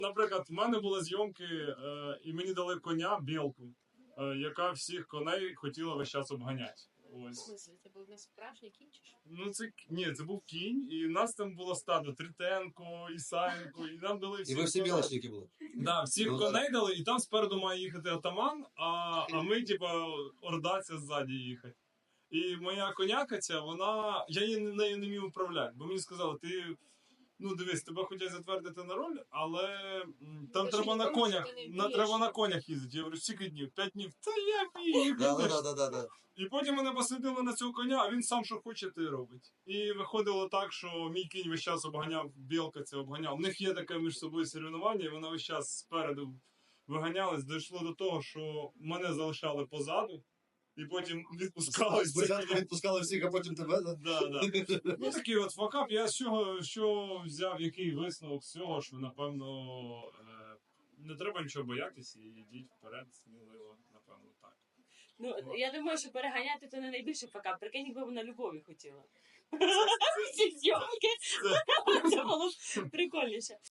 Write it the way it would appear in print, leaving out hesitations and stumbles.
Наприклад, в мене були зйомки, і мені дали коня, білку, яка всіх коней хотіла весь час обганяти. В Ось. смысле, це був не справжній кінь чи що? Ну, це був кінь, і нас там було стадо Тритенко, Ісаєнко, і нам дали всіх. І ви всі білочники були? Да, всіх Ну, коней дали, і там спереду має їхати атаман, а ми, типа, ордація ззаді їхати. І моя коняка ця, я нею не міг управляти, бо мені сказали, дивись, тебе хотять затвердити на роль, але там Ти треба ж на нікому конях, що ти не вмієш. треба на конях їздити. Я говорю, скільки днів? 5 днів. Та я вмію. Да. І потім мене посадили на цього коня, а він сам що хоче, те робить. І виходило так, що мій кінь весь час обганяв, білка це обганяв. У них є таке між собою соревнування, і вона весь час спереду виганялась. Дійшло до того, що мене залишали позаду, і потім відпускали. Спочатку відпускали всіх, а потім тебе, да? Да. Ну такий от факап. Я з що взяв, який висновок з цього, що напевно не треба нічого боятися і йдіть вперед, сміливо, напевно, так. Ну, я думаю, що переганяти то не найбільший факап. Прикинь, якби вона любові хотіла. Всі зйомки. Це було б прикольніше.